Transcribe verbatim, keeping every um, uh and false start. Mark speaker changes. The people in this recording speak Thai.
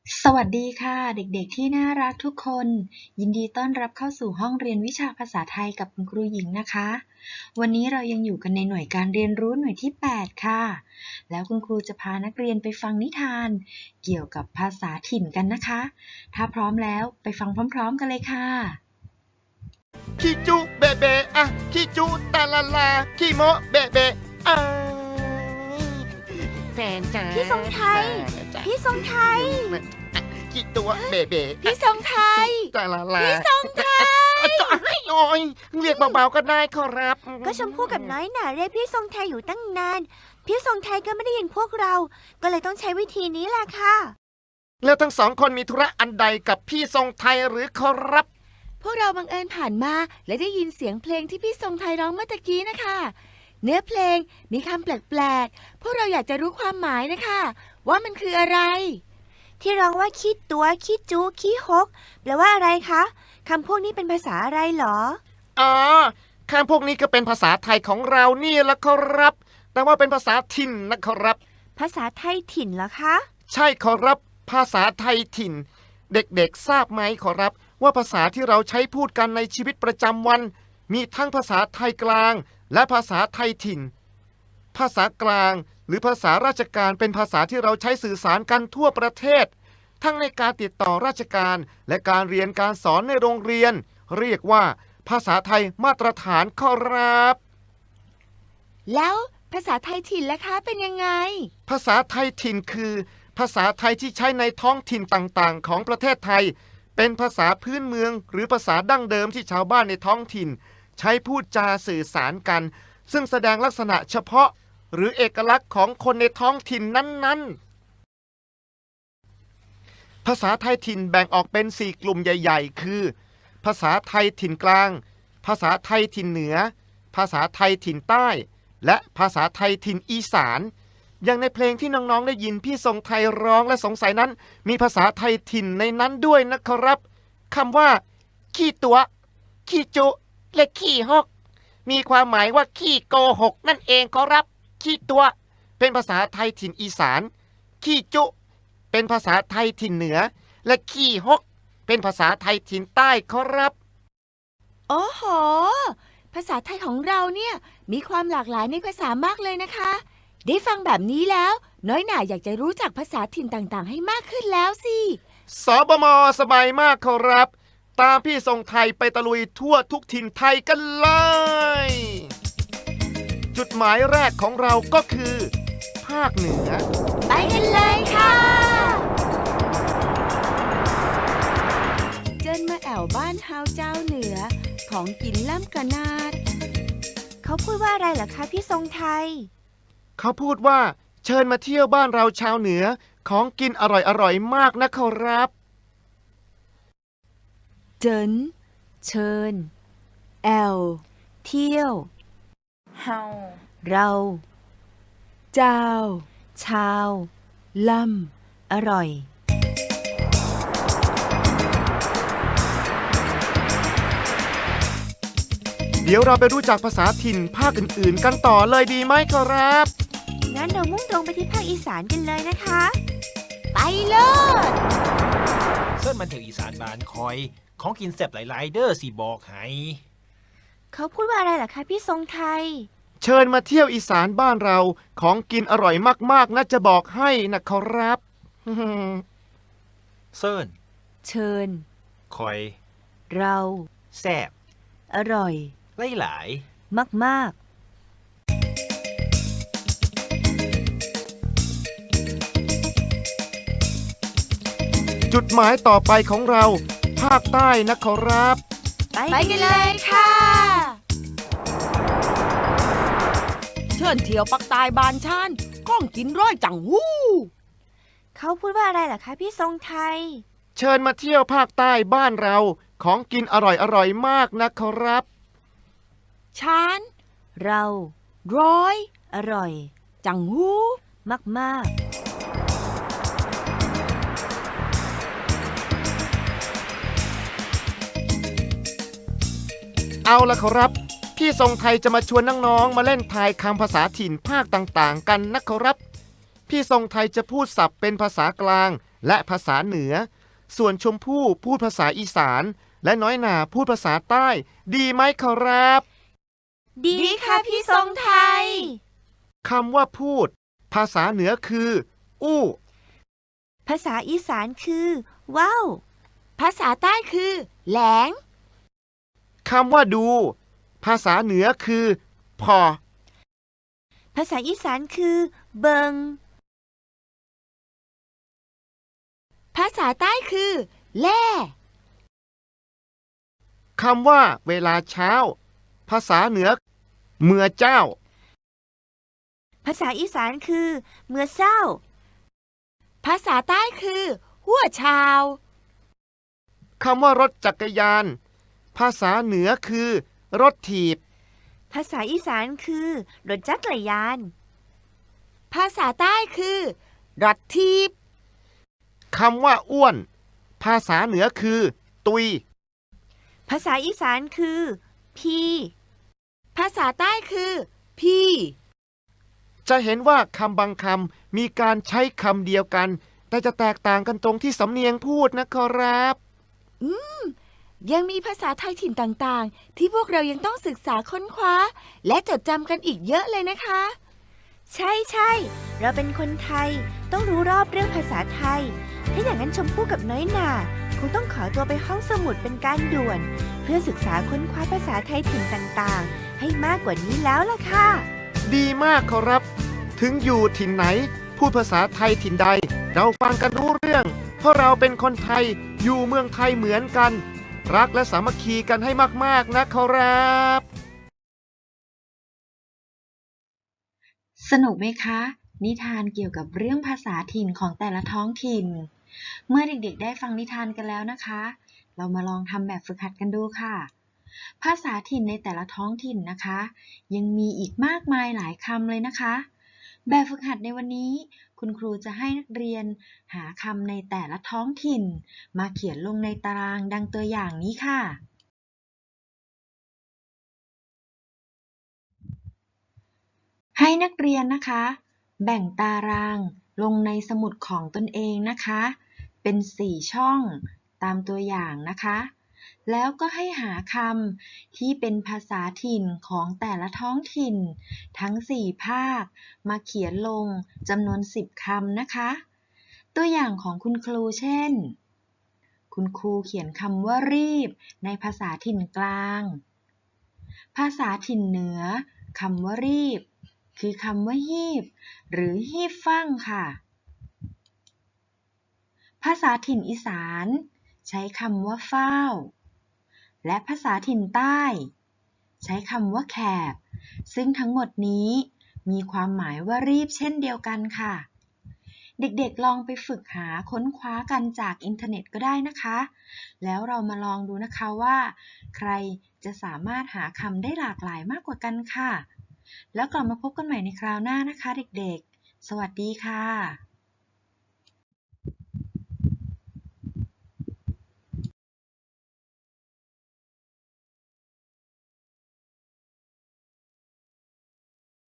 Speaker 1: สวัสดีค่ะเด็กๆที่น่ารักทุกคนยินดีต้อนรับเข้าสู่ห้องเรียนวิชาภาษาไทยกับคุณครูหญิงนะคะวันนี้เรายังอยู่กันในหน่วยการเรียนรู้หน่วยที่แปดค่ะแล้วคุณครูจะพานักเรียนไปฟังนิทานเกี่ยวกับภาษาถิ่นกันนะคะถ้าพร้อมแล้วไปฟังพร้อมๆกันเลยค่ะ
Speaker 2: ขี้จุเบะเบะอะขี้จุตาลาลาขี้โมเบะเบะอ้ายแฟนจ๋า
Speaker 3: พี่ทรงไทย
Speaker 2: จ๋า
Speaker 3: พี่ทรงไทย
Speaker 2: ขี้ตัวเบะเบะ
Speaker 3: พี่ทรงไทย
Speaker 2: ตาลาลา
Speaker 3: พี่ทรงไทย
Speaker 2: จ๋าให้โอ้ยเรียกเบาๆก็ได้ขอรับ
Speaker 3: ก็ชมพู่กับน้อยหน่าเรียกพี่ทรงไทยอยู่ตั้งนาน พี่ทรงไทยก็ไม่ได้ยินพวกเรา ก็เลยต้องใช้วิธีนี้แหละค่ะ
Speaker 2: แล้วทั้งสองคนมีธุระอันใดกับพี่ทรงไทยหรือขอรับ
Speaker 4: พวกเราบังเอิญผ่านมาและได้ยินเสียงเพลงที่พี่ทรงไทยร้องเมื่อตะกี้นะคะ เนื้อเพลงมีคำแปลกๆ พวกเราอยากจะรู้ความหมายนะคะ ว่ามันคืออะไร
Speaker 3: ที่ร้องว่าขี้ตัวขี้จูขี้ฮกแปลว่าอะไรคะคำพวกนี้เป็นภาษาอะไรหรอ
Speaker 2: อ๋อคำพวกนี้ก็เป็นภาษาไทยของเรานี่แหละขอรับ แต่ว่าเป็นภาษาถิ่นนะขอรับ
Speaker 3: ภาษาไทยถิ่นเหรอคะ
Speaker 2: ใช่ขอรับภาษาไทยถิ่น เด็กๆทราบไหมขอรับว่าภาษาที่เราใช้พูดกันในชีวิตประจำวัน มีทั้งภาษาไทยกลางและภาษาไทยถิ่น ภาษากลางหรือภาษาราชการเป็นภาษาที่เราใช้สื่อสารกันทั่วประเทศ ทั้งในการติดต่อราชการและการเรียนการสอนในโรงเรียน เรียกว่าภาษาไทยมาตรฐานขอรับ
Speaker 4: แล้วภาษาไทยถิ่นล่ะคะเป็นยังไง
Speaker 2: ภาษาไทยถิ่นคือ ภาษาไทยที่ใช้ในท้องถิ่นต่างๆ ของประเทศไทย เป็นภาษาพื้นเมืองหรือภาษาดั้งเดิมที่ชาวบ้านในท้องถิ่น ใช้พูดจาสื่อสารกัน ซึ่งแสดงลักษณะเฉพาะ หรือเอกลักษณ์ของคนในท้องถิ่นนั้นๆ ภาษาไทยถิ่นแบ่งออกเป็นสี่กลุ่มใหญ่ๆ คือ ภาษาไทยถิ่นกลาง ภาษาไทยถิ่นเหนือ ภาษาไทยถิ่นใต้ และภาษาไทยถิ่นอีสาน อย่างในเพลงที่น้องๆได้ยินพี่ทรงไทยร้องและสงสัยนั้น มีภาษาไทยถิ่นในนั้นด้วยนะครับคำว่า ขี้ตัวขี้จุและขี้หกมีความหมายว่าขี้โกหกนั่นเองครับขี้ตัว เป็นภาษาไทยถิ่นอีสานขี้จุเป็นภาษาไทยถิ่นเหนือ และขี้หกเป็นภาษาไทยถิ่นใต้ครับ
Speaker 4: โอ้โห ภาษาไทยของเราเนี่ยมีความหลากหลายในภาษามากเลยนะคะ ได้ฟังแบบนี้แล้ว น้อยหน่าอยากจะรู้จักภาษาถิ่นต่างๆ ให้มากขึ้นแล้วสิ
Speaker 2: สบมสบายมากครับ ตามพี่ทรงไทยไปตะลุยทั่วทุกถิ่นไทยกันเลย จุดหมายแรกของเราก็คือ ภาคเหนือ
Speaker 4: ไปกันเลยค่ะ เจินมาแอวบ้านเฮาเจ้าเหนือ ของกินล่ำกะนาด
Speaker 3: เขาพูดว่าอะไรเหรอคะพี่ทรงไทย
Speaker 2: เขาพูดว่าเชิญมาเที่ยวบ้านเราชาวเหนือของกินอร่อยๆมากนะครับ
Speaker 4: เจินเชิญ แอว
Speaker 3: เที่ยว
Speaker 5: เฮา
Speaker 3: เรา
Speaker 4: เจ้า
Speaker 3: ชาว
Speaker 4: ล่ำ
Speaker 3: อร่อย
Speaker 2: เดี๋ยวเราไปรู้จักภาษาถิ่นภาคอื่นๆ กันต่อเลยดีไหมครับ
Speaker 3: งั้นเรามุ่งตรงไปที่ภาคอีสานกันเลยนะคะ
Speaker 4: ไปเลย
Speaker 5: เส้นมันเถวอีสานบานคอย ของกินแซ่บหลายๆเด้อสิบอกให้
Speaker 3: เขาพูดว่าอะไรเหรอคะพี่ทรงไทย
Speaker 2: เชิญมาเที่ยวอีสานบ้านเราของกินอร่อยมากๆนะจะบอกให้นะครับ
Speaker 5: เส้น
Speaker 3: เชิญ
Speaker 5: คอย
Speaker 3: เรา
Speaker 5: แซ่บ
Speaker 3: อร่อย
Speaker 5: หลาย
Speaker 3: มากๆ
Speaker 2: จุดหมายต่อไปของเรา ภาคใต้นะครับ
Speaker 4: ไปกันเลยค่ะ เชิญเที่ยวปักตายบานชานก้องกินร้อยจังหู้
Speaker 3: เขาพูดว่าอะไรเหรอคะพี่ทรงไทย
Speaker 2: เชิญมาเที่ยวภาคใต้บ้านเราของกินอร่อยๆมากนะครับ
Speaker 4: ชาน
Speaker 3: เรา
Speaker 4: ร้อย
Speaker 3: อร่อย
Speaker 4: จังหู้
Speaker 3: มากๆ
Speaker 2: เอาละครับ พี่ทรงไทยจะมาชวนน้องๆมาเล่นทายคำภาษาถิ่นภาคต่างๆ กันนะครับ พพี่ทรงไทยจะพูดศัพท์เป็นภาษากลางและภาษาเหนือ ส่วนชมพู่พูดภาษาอีสานและน้อยหนาพูดภาษาใต้ ดีไหมครับ
Speaker 3: ดีค่ะพี่ทรงไทย
Speaker 2: คำว่าพูด ภาษาเหนือคือ อู้
Speaker 3: ภาษาอีสานคือว้าว
Speaker 4: ภาษาใต้คือ แหลง
Speaker 2: คำว่าดู ภาษาเหนือคือ พอ
Speaker 3: ภาษาอีสานคือเบิง
Speaker 4: ภาษาใต้คือ แล่
Speaker 2: คำว่าเวลาเช้า ภาษาเหนือ เมื่อเจ้า
Speaker 3: ภาษาอีสานคือเมื่อเศร้า
Speaker 4: ภาษาใต้คือ หัวชาว
Speaker 2: คำว่ารถจักรยาน ภาษาเหนือคือ รถถีบ
Speaker 3: ภาษาอีสานคือรถจักรยาน
Speaker 4: ภาษาใต้คือรถทีบ
Speaker 2: คำว่าอ้วน ภาษาเหนือคือ ตุย
Speaker 3: ภาษาอีสานคือพี่
Speaker 4: ภาษาใต้คือ พี่
Speaker 2: จะเห็นว่าคำบางคำมีการใช้คำเดียวกัน แต่จะแตกต่างกันตรงที่สำเนียงพูดนะครับ
Speaker 4: ยังมีภาษาไทยถิ่นต่างๆ ที่พวกเรายังต้องศึกษาค้นคว้า และจดจำกันอีกเยอะเลยนะคะ
Speaker 3: ใช่ใช่เราเป็นคนไทยต้องรู้รอบเรื่องภาษาไทย ถ้าอย่างนั้นชมพู่กับน้อยหน่าคงต้องขอตัวไปห้องสมุดเป็นการด่วน เพื่อศึกษาค้นคว้าภาษาไทยถิ่นต่างๆ ให้มากกว่านี้แล้วล่ะค่ะ
Speaker 2: ดีมากครับ ถึงอยู่ถิ่นไหน พูดภาษาไทยถิ่นใด เราฟังกันรู้เรื่อง เพราะเราเป็นคนไทยอยู่เมืองไทยเหมือนกัน รักและสามัคคีกันให้มากๆนะครับ
Speaker 1: สนุกไหมคะ นิทานเกี่ยวกับเรื่องภาษาถิ่นของแต่ละท้องถิ่น เมื่อเด็กๆได้ฟังนิทานกันแล้วนะคะ เรามาลองทำแบบฝึกหัดกันดูค่ะ ภาษาถิ่นในแต่ละท้องถิ่นนะคะ ยังมีอีกมากมายหลายคำเลยนะคะ แบบฝึกหัดในวันนี้ คุณครูจะให้นักเรียนหาคำในแต่ละท้องถิ่น มาเขียนลงในตารางดังตัวอย่างนี้ค่ะ ให้นักเรียนนะคะ แบ่งตารางลงในสมุดของตนเองนะคะ เป็นสี่ช่องตามตัวอย่างนะคะ แล้วก็ให้หาคำที่เป็นภาษาถิ่นของแต่ละท้องถิ่น ทั้งสี่ภาคมาเขียนลงจำนวนสิบคำนะคะ ตัวอย่างของคุณครูเช่น คุณครูเขียนคำว่ารีบในภาษาถิ่นกลาง ภาษาถิ่นเหนือคำว่ารีบคือคำว่าฮีบหรือฮีบฟั่งค่ะ ภาษาถิ่นอีสานใช้คำว่าฟ้าว และภาษาถิ่นใต้ ใช้คำว่าแขบ ซึ่งทั้งหมดนี้มีความหมายว่ารีบเช่นเดียวกันค่ะ เด็กๆลองไปฝึกหาค้นคว้ากันจากอินเทอร์เน็ตก็ได้นะคะ แล้วเรามาลองดูนะคะว่า ใครจะสามารถหาคำได้หลากหลายมากกว่ากันค่ะ แล้วกลับมาพบกันใหม่ในคราวหน้านะคะเด็กๆ สวัสดีค่ะ